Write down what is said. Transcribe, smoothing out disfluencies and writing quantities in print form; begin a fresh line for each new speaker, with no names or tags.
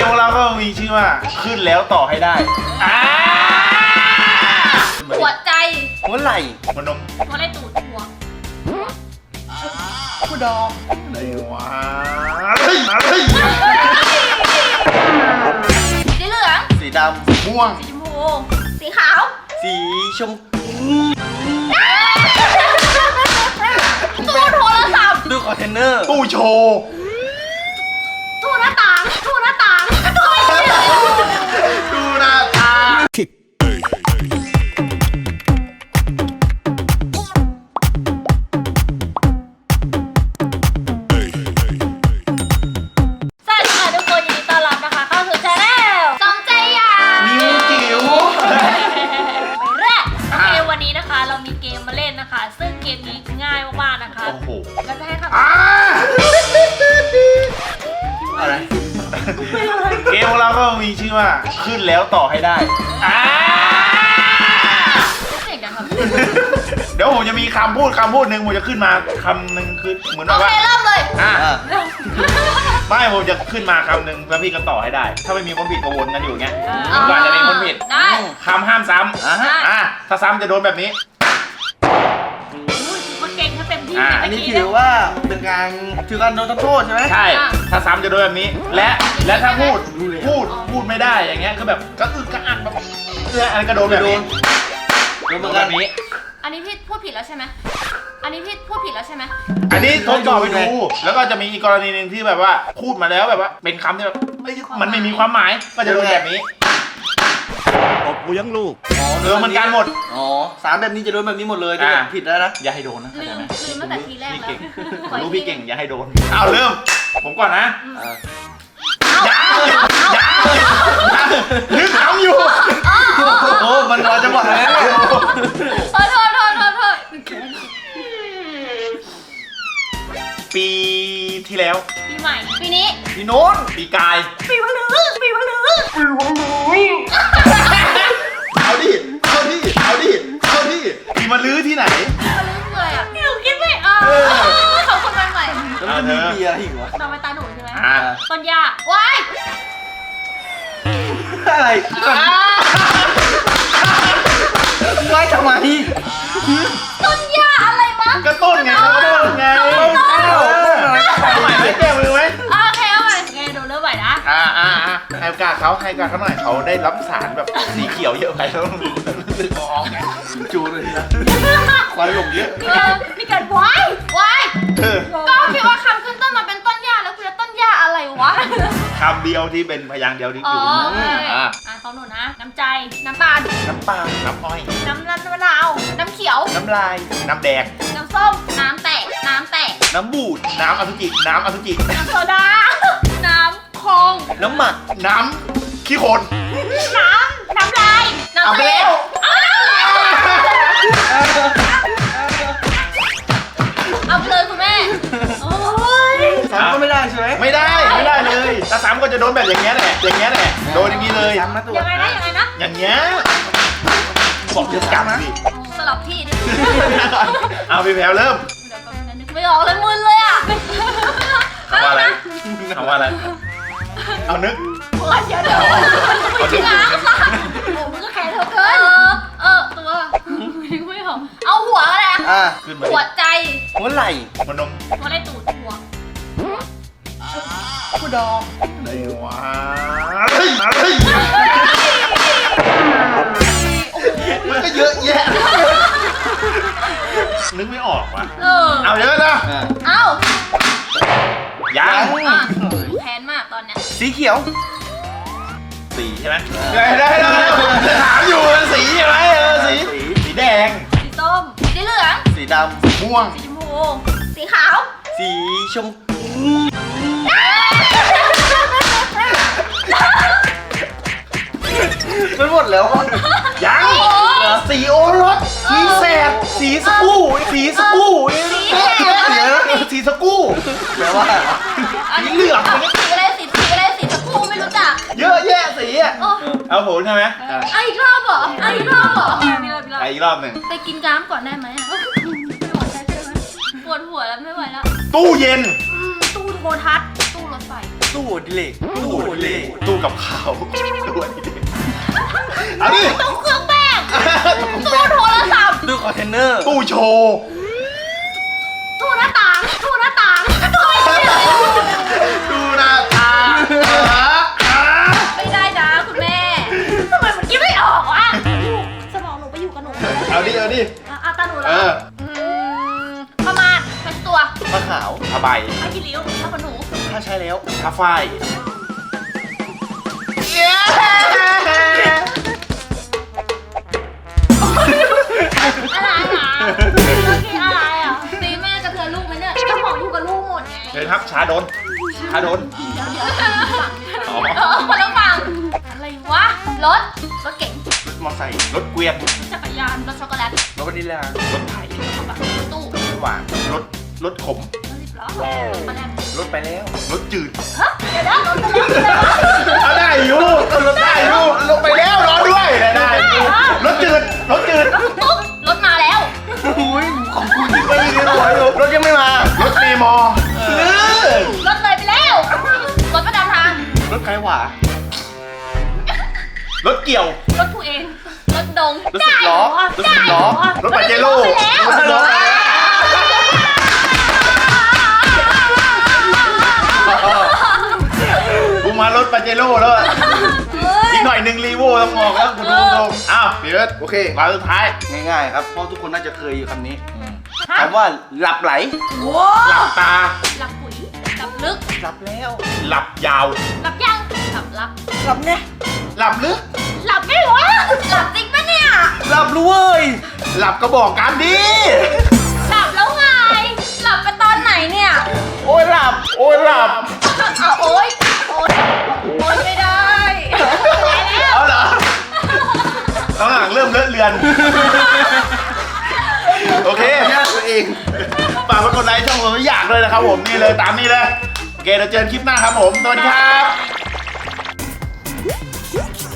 มของเราก็มีชื่อว่าขึ้นแล้วต่อให้ได้
หัวใจ
หัวไหล่
หัวนม
หัวไหล่ตูดหัว
ผู้ดอง
อะไรวะเฮ้ย
สีเหลือง
สีด
ม่วง
สีชมพูสีขาว
ำสีชมพู
ตู้โทรศัพท์
ตู้คอนเทนเนอร์
ตู้โชว์
ตู้หน้าต่างตู้หน้าต่างตู้ไอ้เนี่ย
ดูหน้าตา
สวัสดีค่ะทุกคนยินดีต้อนรับนะคะเข้าสู่ชาแนลสองใจอยาก
นิ้วจิ๋ว
ไปแรกโอเควันนี้นะคะเรามีเกมมาเล่นนะคะ ซึ่งเกมนี้ง่ายมากๆนะคะ
โอ้โห
เราจะให้คำ
อะไร
เกมของเราก็มีชื่อว่าขึ้นแล้วต่อให้ได้
เสียงดังครับ
เดี๋ยวผมจะมีคำพูดหนึ่งผมจะขึ้นมาคำหนึ่งคือเหมือน
โอ
ว่า
เคเริ่มเลย
เออ
ไม่ผมจะขึ้นมาคำหนึ่งแล้วพี่ก็ต่อให้ได้ ถ้าไม่มีคนผิดก็วนกันอยู่อย่างเงี้ย
อ๋อ
กว่าจะมีคนผิด
ได้
คำห้ามซ้
อ่ะฮะ
ำถ้าซ้ำจะโดนแบบนี้
อุ้ยมันเก่งถ้าเต็มที่
อันนี้ถือว่าเป็นการโดนโทษใช่ไหม
ใช่ ถ้าซ้ำจะโดนแบบนี้ และถ้าพูดไม่ได้อย่างเงี้ยคือแบบก็อึกกระอักแบบอะไรก็โดนแบบนี้
โดนเห
โด
มือน นกั
แบ
น
บนี้
อันนี้พี่พูดผิดแล้วใช่ไหมอันนี้พี่พูดผิดแล้วใช่ไหม
อันนี้ทดสอบไปดู แล้วก็จะมีอีกกรณีหนึ่งที่แบบว่าพูดมาแล้วแบบว่าเป็นคำที่แบบเอ้ยมันไม่มีความหมายก็จะโดนแบบนี้
อบกูยังลูก
มันการหมด
อ๋อสามแบบนี้จะโดนแบบนี้หมดเลยถ้าเกิดผิดแล้วนะ
อย่าให้โดนนะ
ลื
เข้าใจ
ม
ไหม
ลืมตั้งแต่ทีแรก
พี่
แล้ว
เก่ง
ขออี
รู้
ก
พี่
ที
เก่งอย่าให้โดนเอาเริ่มผมก่อนนะ
เออ
ยังเลยนึกทำอยู่
โอ้มันรอจังหวะแล้วเนี่ย
โทษ
ปีที่แล้ว
ปีใหม่ปีนี้
พี่โน้น
ปีกาย
ปีวะลือ
เอาดิปีมาลื้อที่ไหน
มาลือคืออะไรอ่ะหนูคิดไม่ออกขอบคุณวันใหม่
แล้วมันมีเบียร์อีกเหรอ
ต่อไปตาหนูใช่ไหม
อ่า
ต้นยาว้าย
อะไรไว้ทำไม
ต้นยาอะไรวะ
ก็ต้นไงเอาใหม่ไหมแก้มือไหม
โอเคเอาใหม่ไงดูเริ่มใหม่นะ
ให้โอกาสเขาหน่อยเขาได้รับสารแบบสีเขียวเยอะไปแล้วรู้สึกมองไง
จูเลยนะควันหลงเยอะ
มีการว้ายก็คิดว่าคำขึ้นต้นมาเป็นต้นหญ้าแล้วคือต้นหญ้าอะไรวะ
คำเดียวที่เป็นพยางค์เดียวที่
อ๋
อ
อยู่ โอเค
อ่า
ของหนูนะ น้ำใจ น้ำตาล
น้ำปลาน้ำอ้อย
น้ำมะนาว น้ำเขียว
น้ำลาย น้ำแดง
น้ำส้ม น้ำแตก
น้ำบูด น้ำอสุจิ
น้ำโซดา น้ำคลอง
น้ำหมัก
น้ำขี้โคลน
น้ำลาย น้ำ
เอาไปแล้ว
เอาไปเลยคุณแม่ โอ้ย
สามก็ไม่ได้ใช่ไหม
ไม่ได้เลยถ้าซ้ำก็จะโดนแบบอย่างเงี้ยแหละโดนอย่างนี้เลย
ซ้ำนะตัว
ยังไงนะ
อย่างเงี้ยบอกจะกลับสิ
สลับที่ดิ
เอาพี่แพรวเริ่ม
เดี๋ยวแป๊บนึงนึกไม่ออกเลยมึนเลยอ่ะ
เอาว่าอะไรเอานึก
เดี๋ยวไม่ถึงน้ำค่ะโอ้มึงก็แข็งเธอเกินตัวนึกไม่ออกเอาหัวอะไรอ่ะ
อ่ะ
ขึ้นมา
หัวใจ
หัวไหล่
หัวนม
หัวอะไรตูดหัว
ผู้ดอง
อะไรวะมันก็เยอะแยะนึกไม่ออกว่ะเอาเยอะนะ
เอา
ยัง
แพนมากตอนเนี้ย
สีเขียว
สีใช่ไหมได้ถามอยู่สีใช่ไหมสีแดง
สีส้มสีเหลือง
สีด
ม่วง
สีชมพูสีขาว
ำสีชมพูมันหมดแล้วอ่ะ
ยังสีโอรสสีแสดสีสกู้สีสกู้ สีสกู้
แปลว่า
สีเหลือง
สีอะไรสีตะกูไม่รู้จัก
เยอะแยะสีอ่ะเอาโหใช่ไหม
อีกรอบเหรออีกรอบเหรอมีรอบ
ไปอีกรอบหนึ่ง
ไปกินน้ำก่อนได้ไหมอ่ะไม่ไหวใช่ไหมปวดหัวแล้วไม่ไหวแล้ว
ตู้เย็น
ตู้โทรทัศน์ตู้รถไฟ
ตู้ดิเลกตู้ดิเลก
ตู้กับข้าวตู้อันนี้เอาดิ
ตู้เครื่องแป้งตู้โทรศัพท์
ตู้คอนเทนเนอร์
ตู้โชว์
ตู้หน้าต่างตู้หน้าต่างตู้
ตู้หน้าตา
ไม่ได้นะคุณแม่ทำไมมันคิดไม่ออกวะสมองหนูไปอยู่กับหนู
เอาดิเอาดิ
อ่ะตาหนูแล้
เอ
ว
อ
ประมาณเป็นตัว
ผ้าขาว
ผ้าใบ
ผ้าขี้ริ้วผ้าขนหนู
ผ้าใช้แล้ว
ผ้าฝ้าย
อะไรอ่ะเมื่อกี้อะไรอ่ะตีแม่กระเทือนลูกไหมเนี่ยสมองอยู่กับลูกหมดไง
เชิญครับชาโดนชาโดน
เดี๋ยวคนละฝั่งอะไรวะรถเก๋ง
รถมอเตอร์ไซค์รถเกวียน
จักรยานรถช็อกโกแลต
รถวานิลลาร
ถไถ
ตู้
รถหวานรถขม
รถ10 ล้อมาแล้ว
รถไปแล้ว
รถจืด
ฮะเดี๋ยวนะรถไปแล้ว
เอาได้อยู่รถได้อยู่ลงไปแล้วรอด้วยได้รถจืดรถจืด
ตุ๊กรถมาแล้ว
อุ้ยของคุณที่ไปอีกแล้วรถยังไม่มาร
ถเมย์มอ
รถเลยไปแล้วรถประจำทาง
รถใครหวาร
ถเกี่ยว
รถผู้เองรถดง
รถสิบล้อรถสิบล้อ
รถปาเจโร่
รถสิบล้อ
กูมารถปาเจโร่แล้วอะอีกหน่อยหนึ่งรีโวต้องออกแล้วคุณผู้ชมอ้าวพี่เอิร์ธ
โอเค
มาสุดท้าย
ง่ายๆครับเพราะทุกคนน่าจะเคยอยู่คำนี้คำว่าหลับไหล
หลับตา
หลับปุ๋ยหลับลึก
หลับแล้ว
หลับยาว
หลับยังหลับรับ
หลับเนี่ย
หลับลึก
หลับไม่วะหลับจริงปะเนี่ย
หลับรู้เว้ย
หลับก็บอกกันดิ
หลับแล้วไงหลับไปตอนไหนเนี่ย
โอ้ยหลับ
โอ้ยหลับ
เอาโอ๊ยโอ๊ยไม่ได้ไปแล้ว
เอาเหรอตอนหลังเริ่มเลอะเลือน โอเค
ญาติตัวเอง
ฝากกดไลค์ช่องผมไม่อยากเลยนะครับผมนี่เลยตามนี้เลย โอเคเดี๋ยวเจอกันคลิปหน้าครับผม สวัสดีครับ